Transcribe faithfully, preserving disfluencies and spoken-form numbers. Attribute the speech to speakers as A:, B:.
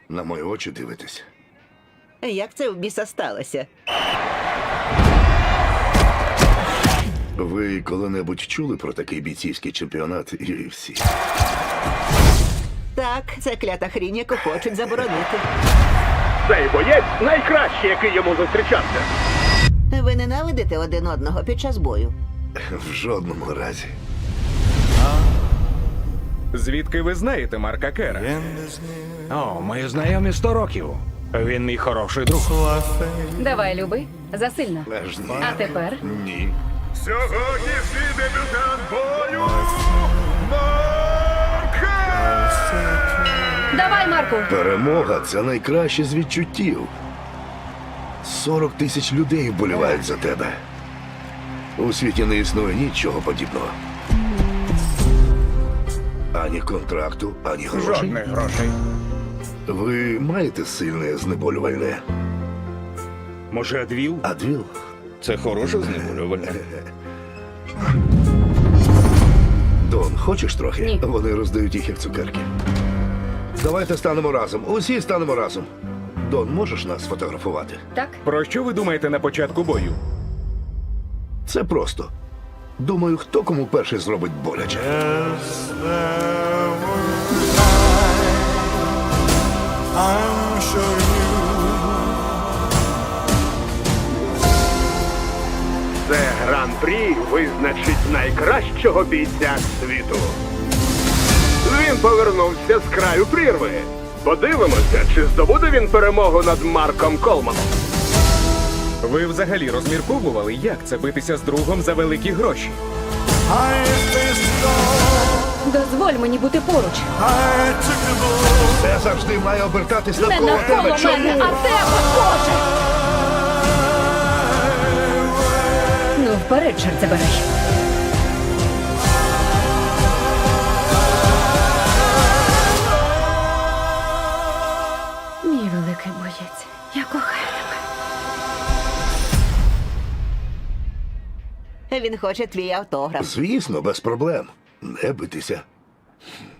A: На мої очі дивитесь.
B: Як це в біса сталося?
A: Ви коли-небудь чули про такий бійцівський чемпіонат ю еф сі?
B: Так, це клята хрінь, яку хочуть заборонити.
C: Цей боєць найкращий, який йому зустрічався.
B: Ви ненавидите один одного під час бою?
A: В жодному разі.
D: Звідки ви знаєте Марка Кера? О, ми знайомі сто років. Він мій хороший друг.
E: Давай, люби, засильно.
A: Аж ні.
E: А тепер
A: Ні.
C: Сьогоднішній дебютант бою Марка!
E: давай, Марку.
A: Перемога це найкраще з відчуттів. сорок тисяч людей вболівають за тебе. У світі не існує нічого подібного. Ані контракту, ані грошей.
D: Жодних грошей.
A: Ви маєте сильне знеболювальне?
D: Може, Адвіл?
A: Адвіл?
D: Це хороше знеболювальне.
A: Дон, хочеш трохи?
E: Ні.
A: Вони роздають їх як цукерки. Давайте станемо разом. Усі станемо разом. Дон, можеш нас сфотографувати?
E: Так?
D: Про що ви думаєте на початку бою?
A: Це просто. Думаю, хто кому перший зробить боляче.
F: I'm sure you
C: Це гран-прі визначить найкращого бійця світу. Він повернувся з краю прірви. Подивимося, чи здобуде він перемогу над Марком Колманом.
D: Ви взагалі розмірковували, як це битися з другом за великі гроші?
F: I faced it all.
E: Дозволь мені бути поруч.
F: I took the bull.
A: Це завжди має обертатись
E: Не
A: навколо
E: навколо
A: тебе. Чому?
E: мене, а тебе, Боже! Ну, вперед, чорт забирай. Мій великий боєць, я кохаю тебе.
B: Він хоче твій автограф.
A: Звісно, без проблем. Не битися.